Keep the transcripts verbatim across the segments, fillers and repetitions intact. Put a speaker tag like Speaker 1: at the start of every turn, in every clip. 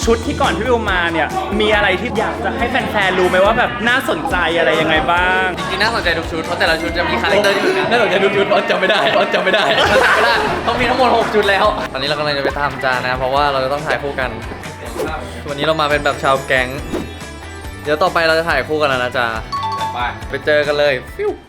Speaker 1: ชุดที่ก่อนที่วิวมาเนี่ยมีอะไรที่อยากจะให้แฟนๆรู้ไหมว่าแบบน่าสนใจอะไรยังไงบ้าง
Speaker 2: จริงๆน่าสนใจทุกชุดเพราะแต่ละชุดจะมีคาแรคเตอร์ที่เหมือนกันน่าสนใจทุกชุดเพราะจำไม่ได้เพราะจำไม่ได้จำไม่ได้ต้องมีทั้งหมดหกชุดแล้วตอนนี้เรากำลังจะไปตามจานนะเพราะว่าเราจะต้องถ่ายคู่กันวันนี้เรามาเป็นแบบชาวแก๊งเดี๋ยวต่อไปเราจะถ่ายคู่กันแล้วนะจ๊ะไปไปเจอกันเลยฟิว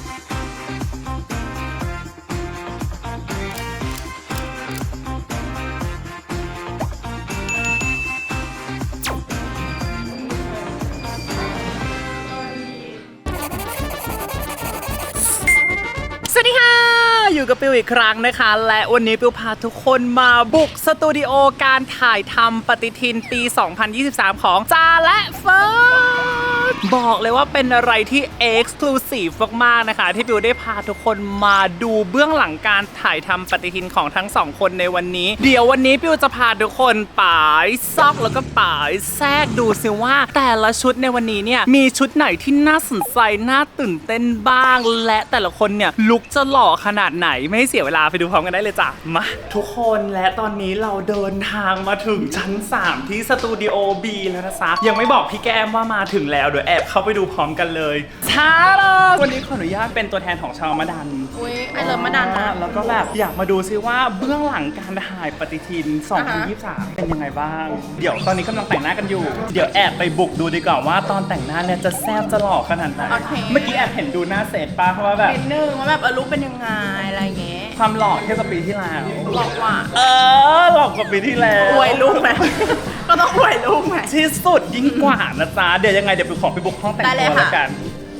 Speaker 1: สวัสดีค่ะอยู่กับปิวอีกครั้งนะคะและวันนี้ปิวพาทุกคนมาบุกสตูดิโอการถ่ายทำปฏิทินปี สองพันยี่สิบสาม ของจาและเฟิร์สบอกเลยว่าเป็นอะไรที่ Exclusive มากๆนะคะที่ปิวได้พาทุกคนมาดูเบื้องหลังการถ่ายทำปฏิทินของทั้งสองคนในวันนี้เดี๋ยววันนี้ปิวจะพาทุกคนป่ายซอกแล้วก็ป่ายแทรกดูซิว่าแต่ละชุดในวันนี้เนี่ยมีชุดไหนที่น่าสนใจน่าตื่นเต้นบ้างและแต่ละคนเนี่ยลุกจะหล่อขนาดไหนไม่เสียเวลาไปดูพร้อมกันได้เลยจ้ะมาทุกคนและตอนนี้เราเดินทางมาถึงชั้นสามที่สตูดิโอ B แล้วนะจ๊ะยังไม่บอกพี่แก้มว่ามาถึงแล้วเดี๋ยวแอบเข้าไปดูพร้อมกันเลยช้าเลยวันนี้ขออนุญาตเป็นตัวแทนของชาวมะดัน
Speaker 3: อุ้ยไอเลิฟมะดันนะ
Speaker 1: แล้วก็แบบอยากมาดูซิว่าเบื้องหลังการถ่ายปฏิทิน สองพันยี่สิบสาม เป็นยังไงบ้างเดี๋ยวตอนนี้กำลังแต่งหน้ากันอยู่เดี๋ยวแอบไปบุกดูดีกว่าว่าตอนแต่งหน้าเนี่ยจะแซ่บจะหล่อขนาดไหนเมื่อกี้แอบเห็นดูหน้าเสร็จป่ะเพราะว่าแบบ
Speaker 3: นิดนึงว่าแบบเออลุคเป็นยังไงอะไรเงี้ย
Speaker 1: ความหล่อเทียบกับปีที่แล้ว
Speaker 3: หลอกว่า
Speaker 1: เออหลอกกว่าปีที่แล้ว
Speaker 3: อวยลูกไหมก็ต้องอวยลูกไหม
Speaker 1: ที่สุดยิ่งกว่านะจ๊ะเดี๋ยวยังไงเดี๋ยวไปขอไปบุกห้องแต่งตัวแล้วกัน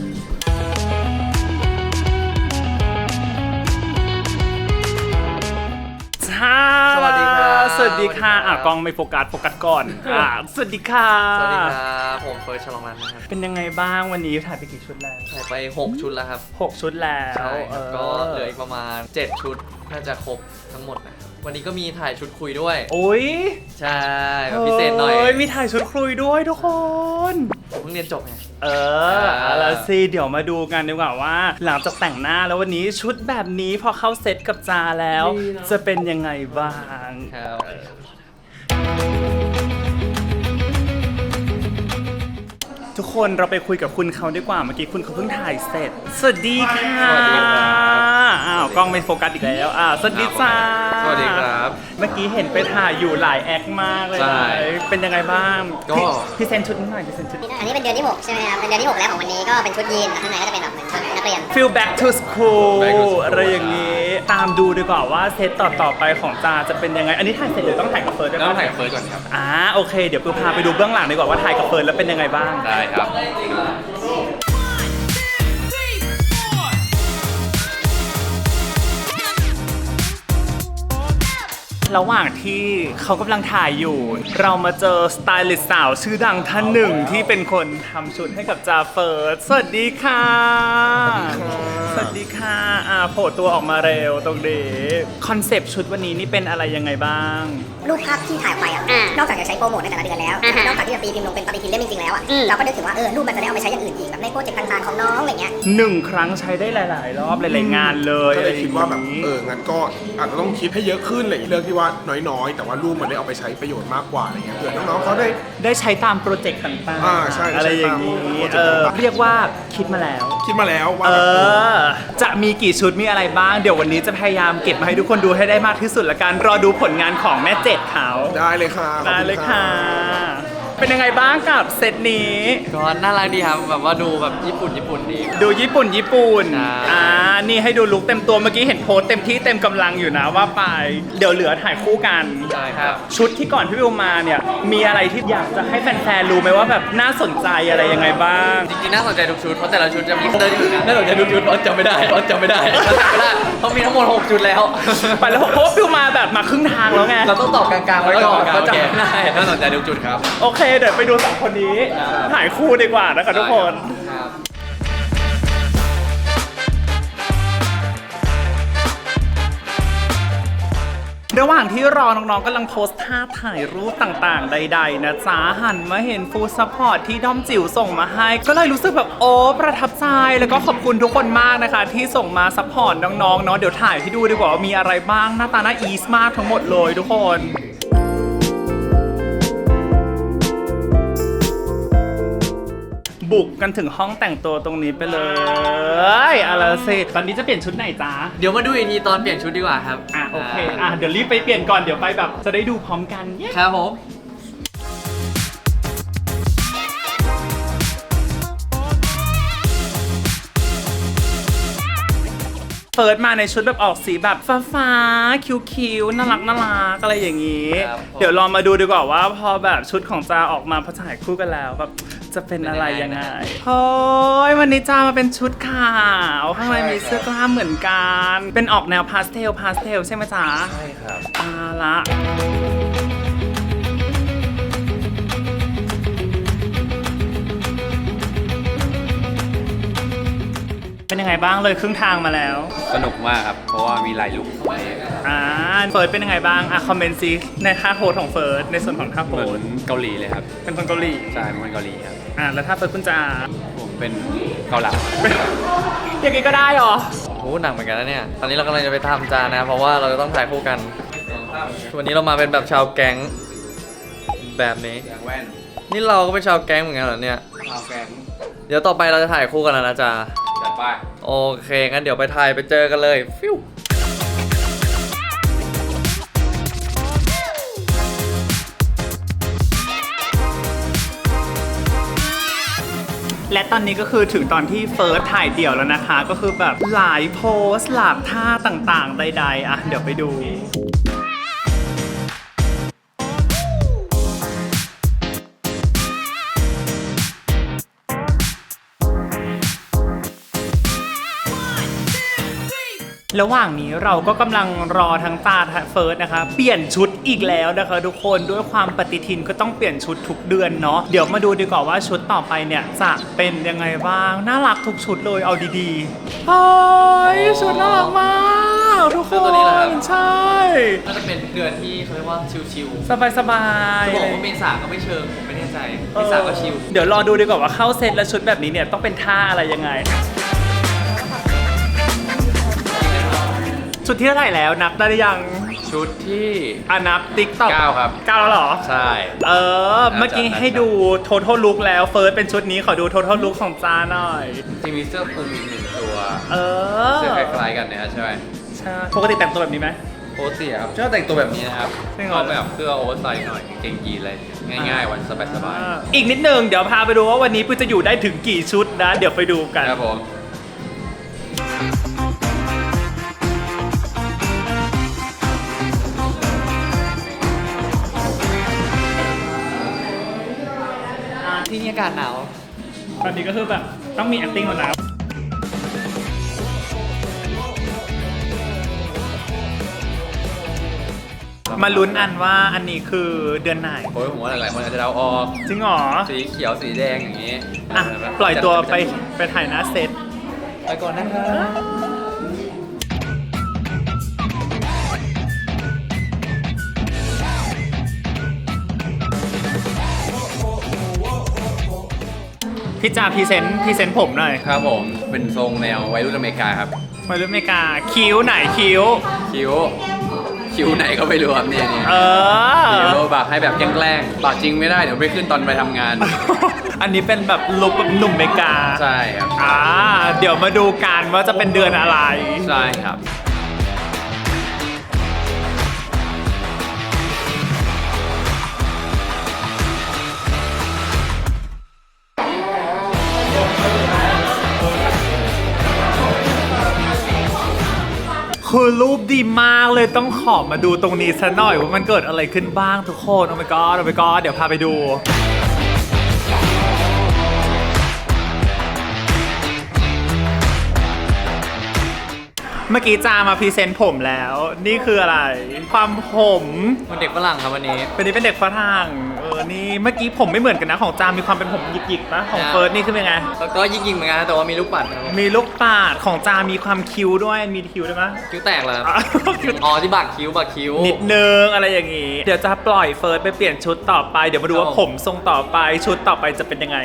Speaker 1: สวัสดีค่ะสวัสดีค่ะอ่ะกล้องไม่โฟกัสโฟกัสก่อนอ่ะสวัสดีค่ะ
Speaker 2: สวัสดีครับผมเฟิร์สฉลองรัตน์นะครับ
Speaker 1: เป็นยังไงบ้างวันนี้ถ่ายไปกี่ชุดแล้ว
Speaker 2: ถ่ายไปหกชุดแล้วครับ
Speaker 1: หกชุดแล้ว
Speaker 2: ใช่ก็เหลืออีกประมาณเจ็ดชุดน่าจะครบทั้งหมดนะวันนี้ก็มีถ่ายชุดคุยด้วย
Speaker 1: โอ้ย
Speaker 2: ใช่แบบพิเศษหน่อย
Speaker 1: มีถ่ายชุดคุยด้วยทุกคน
Speaker 2: เพิ่งเรียนจบไง
Speaker 1: เออเอาสิเดี๋ยวมาดูกันดีกว่าว่าหลังจากแต่งหน้าแล้ววันนี้ชุดแบบนี้พอเข้าเซตกับจาแล้วจะเป็นยังไงบ้าง
Speaker 2: ครับ
Speaker 1: ทุกคนเราไปคุยกับคุณเขาดีกว่าเมื่อกี้คุณเขาเพิ่งถ่ายเสร็จสวัสดีค่ะอ้าวกล้องไม่โฟกัสอีกแล้วอ่าสวัสดีจ้า
Speaker 2: สวัสดีครับ
Speaker 1: เมื่อกี้เห็นไปถ่ายอยู่หลายแอคมากเลยเป็นยังไงบ้าง
Speaker 2: ก็
Speaker 1: พี่เซนชุดนิดหน่อยพี่เซนชุด
Speaker 4: อันนี้เป็นเดือนที่หกใช่ไหมครับเป็นเดือนที่หกแล้วของวันนี้ก็เป็นชุดยีนข้างในก็จะเป็นแบบเหมือนชุดนักเรียน
Speaker 1: Feel back to school อะไรอย่างนี้ตามดูดีกว่าว่าเซตต่อต่อไปของจาจะเป็นยังไงอันนี้ถ่ายเสร็จหรือต้องถ่ายกับเฟิร์ส
Speaker 2: ต้องถ่ายกับเฟิร์สก่อนครับ
Speaker 1: อ่าโอเคเดี๋ยวปูพาไปดูเบื้องหลังดีกว่าว่าถ่ายกับเฟิร์สแล้วเป็นยังไงบ้าง
Speaker 2: ได้ครับ
Speaker 1: ระหว่างที่เขากำลังถ่ายอยู่เรามาเจอสไตลิสต์สาวชื่อดังท่านหนึ่งที่เป็นคนทำชุดให้กับจาเฟิร์สสวัสดีค่ะสวัสดีค่ะอ่าโผล่ตัวออกมาเร็วตรงนี้คอนเซปต์ชุดวันนี้นี่เป็นอะไรยังไงบ้าง
Speaker 4: รูปภาพที่ถ่ายไปอ่ะนอกจากจะใช้โปรโมทในแต่ละเดือนแล้วนอกจากที่จะตีพิมพ์ลงเป็นปฏิทินเล่มจริงๆแล้วอ่ะเราก็นึกถึงว่าเออรูปมันจะได้เอาไปใช้อย่างอื่นอีกแบบในโปรเจกต์ต่างๆของน้องอะไรเงี้ย
Speaker 1: หนึ่งครั้งใช้ได้หลายๆรอบหลายๆงานเลย
Speaker 5: ก็เลยคิดว่าแบบเอองั้นก็อาจจะต้องคิดให้เยอะขึ้นเลยเรื่องที่ว่าน้อยๆแต่ว่ารูปมันได้เอาไปใช้ประโยชน์มากกว่าอะไรเงี้ยเผื่อน้องๆเขาได้
Speaker 1: ได้ใช้ตามโปรเจกต์ต่าง
Speaker 5: ๆอ่าใช่
Speaker 1: อะไรอย่างนี้เออเรียกว่าคิดมาแล้ว
Speaker 5: คิดมาแล้วว่า
Speaker 1: เออจะมีกี่ชุดมีอะไรบ้างเดี๋ยววันนี้จะพยายามเก็บมาให้ทุกคนดูให้ได้มากที่สุดละกันรอดูผลงานของแม่เจ็ดเขา
Speaker 5: ได้เลยค่ะ
Speaker 1: ได้เลยค่ะเป็นยังไงบ้างกับเซตนี้
Speaker 2: ก็น่ารักดีครับแบบว่าดูแบบญี่ปุ่นญี่ปุ่นดี
Speaker 1: ดูญี่ปุ่นญี่ปุ่นอ่านี่ให้ดูลุคเต็มตัวเมื่อกี้เห็นโพสเต็มที่เต็มกำลังอยู่นะว่าไปเดี๋ยวเหลือถ่ายคู่กัน
Speaker 2: ใช่ครับ
Speaker 1: ชุดที่ก่อนที่วิวมาเนี่ยมีอะไรที่อยากจะให้แฟนๆรู้ไหมว่าแบบน่าสนใจอะไรยังไงบ้าง
Speaker 2: จริงๆน่าสนใจทุกชุดเพราะแต่ละชุดจะมีคาแรคเตอร์ที่เหมือนกันน่าสนใจทุกชุดเพราะจำไม่ได้เพราะจำไม่ได้จำไม่ได้เพราะมีทั้งหมดหกชุดแล้ว
Speaker 1: ไปแล้วเพราะวิวมาแบบมาครึ่งทางแล้วไง
Speaker 2: เราต้องตอบกลางๆไว้ก่อนเพราะจำไม่ได้น่าสนใจทุกชุดครับ
Speaker 1: โอเคเดี๋ยวไปดูสองคนนี้ถ่ายคู่ดีกว่านะคะทุกคนระหว่างที่รอน้องๆกำลังโพสท่าถ่ายรูปต่างๆใดๆนะจ๊ะหันมาเห็นฟูลซัพพอร์ตที่ด้อมจิ๋วส่งมาให้ก็เลยรู้สึกแบบโอ้ประทับใจแล้วก็ขอบคุณทุกคนมากนะคะที่ส่งมาซัพพอร์ตน้องๆเนาะเดี๋ยวถ่ายให้ดูดีกว่าว่ามีอะไรบ้างหน้าตาน่าอีสมากทั้งหมดเลยทุกคนบุกกันถึงห้องแต่งตัวตรงนี้ไปเลยเอาละสิตอนนี้จะเปลี่ยนชุดไหนจ๊ะ
Speaker 2: เดี๋ยวมาดูอีกทีตอนเปลี่ยนชุดดีกว่าครับ
Speaker 1: อ่ะโอเคอ่ะเดี๋ยวรีบไปเปลี่ยนก่อนเดี๋ยวไปแบบจะได้ดูพร้อมกันเย้
Speaker 2: ครับผม
Speaker 1: เฟิร์สมาในชุดแบบออกสีแบบฟ้าฟ้าๆคิ้วๆน่ารักน่ารักอะไรอย่างนี้
Speaker 2: ครับผม
Speaker 1: เดี๋ยวลองมาดูดีกว่าว่าพอแบบชุดของจาออกมาพอถ่ายคู่กันแล้วแบบจะเป็นอะไรยังไงเฮ้ยวันนี้จามาเป็นชุดขาวข้างในมีเสื้อกล้ามเหมือนกันเป็นออกแนวพาสเทลพาสเทลใช่ไหมจ๊ะ
Speaker 2: ใช่ครับ
Speaker 1: อาละเป็นยังไงบ้างเลยครึ่งทางมาแล้ว
Speaker 6: สนุกมากครับ เพราะว่ามีหลายลุค
Speaker 1: อ่าเฟิร์สเป็นยังไงบ้างอ่ะคอมเมนต์ซิในท่าโพสของเฟิร์สในส่วนของท่าโพ
Speaker 6: เหมือ
Speaker 1: ส
Speaker 6: นเกาหลีเลยครับ
Speaker 1: เป็นคนเกาหลี
Speaker 6: ใช่เป็นคนเกาหลีครับ
Speaker 1: อ่าแล้วถ้าเฟิร์สคุณจะ
Speaker 6: ผมเป็นเกาหลี
Speaker 1: อย่างนี้ก็ได้เหรอ
Speaker 2: โอ้โหหนักเหมือนกันนะเนี่ย ตอนนี้เรากำลังจะไปทำจานนะ เพราะว่าเราจะต้องถ่ายคู่กัน วันนี้เรามาเป็นแบบชาวแก๊งแบบนี้
Speaker 6: อย่างแว่น
Speaker 2: นี่เราก็เป็นชาวแก๊งเหมือนกันเหรอเนี่ย
Speaker 6: ข้าวแกง
Speaker 2: เดี๋ยวต่อไปเราจะถ่ายคู่กันแล้วนะจ๊ะ
Speaker 6: จัดไป
Speaker 2: โอเค งั้นเดี๋ยวไปถ่ายไปเจอกันเลย ฟิว
Speaker 1: และตอนนี้ก็คือถึงตอนที่เฟิร์สถ่ายเดี่ยวแล้วนะคะ ก็คือแบบหลายโพสหลากท่าต่างๆ ใดๆอ่ะเดี๋ยวไปดู ระหว่างนี้เราก็กำลังรอทั้งตาเฟิร์สนะคะเปลี่ยนชุดอีกแล้วนะคะทุกคนด้วยความปฏิทินก็ต้องเปลี่ยนชุดทุกเดือนเนาะเดี๋ยวมาดูดีกว่าว่าชุดต่อไปเนี่ยจะเป็นยังไงบ้างน่ารักทุกชุดเลยเอาดีๆเฮ้ยชุดน่ารักมากทุกค
Speaker 2: เสื้อตัวน นี้เหรอครับ
Speaker 1: ใช่
Speaker 2: น่าจะเป็นเดือนที่เขาเรียกว่าชิว
Speaker 1: สบายๆ
Speaker 2: ๆจะบอกว่าเมษาก็ไม่เชิง ผมไม่แน่ใจ เมษาก็ชิว
Speaker 1: เดี๋ยวรอดูดีกว่าว่าเข้าเซตแล้วชุดแบบนี้เนี่ยต้องเป็นท่าอะไรยังไงชุดที่เท่าไหร่แล้วนับได้หรือยัง
Speaker 6: ชุดที่
Speaker 1: อ่ะนับติ๊กต็อก
Speaker 6: เก้าครับ
Speaker 1: เก้าแล้วเหรอ
Speaker 6: ใช่
Speaker 1: เออ เมื่อกี้ให้ดู total look แล้วเฟิร์สเป็นชุดนี้ขอดู total look ของจาหน่อย
Speaker 6: จริงมีเสื้อคลุมอีกหนึ่งตัว
Speaker 1: เออ
Speaker 6: เสื้อคล้ายๆกันเนี่ยใช่ไหม
Speaker 1: ใช่ปกติแต่งตัวแบบนี้ไหม
Speaker 6: โค้ทสีครับชอบแต่งตัวแบบนี้นะครับ
Speaker 1: จริงเห
Speaker 6: ช
Speaker 1: รอ
Speaker 6: อบแบบเสื้อโอเวอร์ไซส์หน่อยกางเกงยีนอะไรง่ายๆ วันสบาย
Speaker 1: อ่าอีกนิดนึงเดี๋ยวพาไปดูว่าวันนี้ปุ้ยจะอยู่ได้ถึงกี่ชุดนะ เดี๋ยวไปดูกัน
Speaker 6: ๆครับผม
Speaker 2: ที่นี่อากาศหนาว
Speaker 1: ตอนนี้ก็คือแบบต้องมี acting แล้วนะมาลุ้นอันว่าอันนี้คือเดือนไหน
Speaker 6: โอ้ยผมว่าหลายๆคนอาจจะเดาออก
Speaker 1: จริงเหรอ
Speaker 6: สีเขียวสีแดงอย่างนี้
Speaker 1: อ่ะ ปล่อยตัวไปไปถ่ายหน้าเซต
Speaker 2: ไปก่อนนะครับ
Speaker 1: พี่จ่าพรีเซนต์พรีเซนต์ผมหน่อย
Speaker 6: ครับผม เป็นทรงแนววัยรุ่นอเมริกาครับ
Speaker 1: มารุ่นอเมริกาคิ้วไหนคิ้ว
Speaker 6: คิ้ว คิ้วไหนก็ไม่รู้ครับเนี่ยเนี่ย
Speaker 1: เออ
Speaker 6: คิ้วบากให้แบบแกล้งๆบากจริงไม่ได้เดี๋ยวไปขึ้นตอนไปทำงาน
Speaker 1: อันนี้เป็นแบบลุคแบบหนุ่มอเมริกา
Speaker 6: ใช่ครับ
Speaker 1: อ่าเดี๋ยวมาดูกันว่าจะเป็นเดือนอะไร
Speaker 6: ใช่ครับ
Speaker 1: คือรูปดีมากเลยต้องขอมาดูตรงนี้ซะหน่อยว่ามันเกิดอะไรขึ้นบ้างทุกคนโอ้ my god โอ้ my god เดี๋ยวพาไปดู เมื่อกี้จามาพรีเซนต์ผมแล้ว นี่คืออะไร ความผม
Speaker 2: มันเด็กฝรั่งครับวันนี้
Speaker 1: เป็นนี้เป็นเด็กฝรั่งเออนี่เมื่อกี้ผมไม่เหมือนกันนะของจามีความเป็นผมหยิกๆปะของ
Speaker 2: อ่า
Speaker 1: เฟิร์สนี่คือเป็นไง
Speaker 2: แล้วก็ยิงๆเหมือนกันนะแต่ว่ามีลูกปัดนะครับ
Speaker 1: มีลูกปาดของจามีความคิ้วด้วยมีคิ้วด้วยปะ
Speaker 2: คิ้วแตกเลยครับ
Speaker 1: อ่ะ
Speaker 2: อ๋อที่บักคิ้วบักคิ้ว
Speaker 1: นิดนึงอะไรอย่างงี้ เดี๋ยวจะปล่อยเฟิร์สไปเปลี่ยนชุดต่อไป เดี๋ยวมาดูว่า
Speaker 2: ครับ
Speaker 1: ผมทรงต่อไปชุดต่อไปจะเป็นยังไง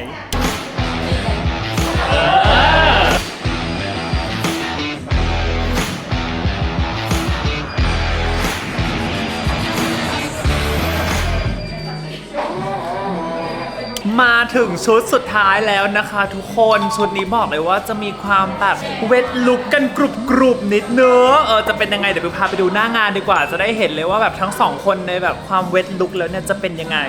Speaker 1: มาถึงชุดสุดท้ายแล้วนะคะทุกคนชุดนี้บอกเลยว่าจะมีความแบบเวทลุกกันกรุบกรุบนิดเนื้อะเออจะเป็นยังไงเดี๋ยวไปพาไปดูหน้างานดีกว่าจะได้เห็นเลยว่าแบบทั้งสองคนในแบบความเวทลุกแล้วเนี่ยจะเป็นยังไง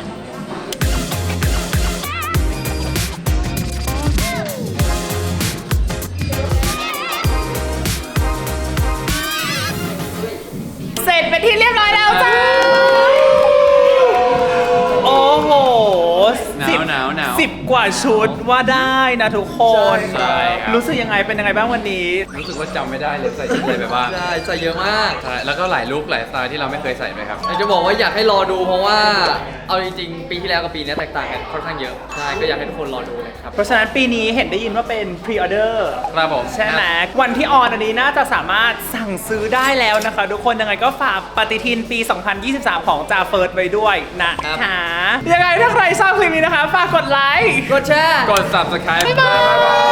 Speaker 1: เสร็จเป็นที่เรียบร้อยแล้วจ้าโอ้โห
Speaker 6: หนาวหนาวหนาว
Speaker 1: สิบกว่าชุดว่าได้นะทุกคน
Speaker 6: ใช่ครับ
Speaker 1: รู้สึกยังไงเป็นยังไงบ้างวันนี้
Speaker 6: รู้สึกว่าจำไม่ได้เลยใส่ชุดอะไรไปบ้าง
Speaker 2: ใช่ใส่เยอะมาก
Speaker 6: ใช่แล้วก็หลายลุคหลายสไตล์ที่เราไม่เคยใส่ไปครับ
Speaker 2: อยากจะบอกว่าอยากให้รอดูเพราะว่าเอาจริงๆปีที่แล้วกับปีนี้แตกต่างกันค่อนข้างเยอะใช่ก็อยากให้ทุกคนรอดูเลยครับ
Speaker 1: เพราะฉะนั้นปีนี้เห็นได้ยินว่าเป็นพรีออเดอร์
Speaker 6: ครับผม
Speaker 1: ใช่ไหมวันที่ออนอันนี้น่าจะสามารถสั่งซื้อได้แล้วนะคะ ทุกคนยังไงก็ฝากปฏิทินปี สองพันยี่สิบสาม ของจาเฟิร์สไว้ด้วยนะคะยังไงถ้าใครชอบคลิปนี้นะคะ ฝากกดไลค์
Speaker 2: กดแชร์
Speaker 6: กด subscribe
Speaker 1: บ๊ายบาย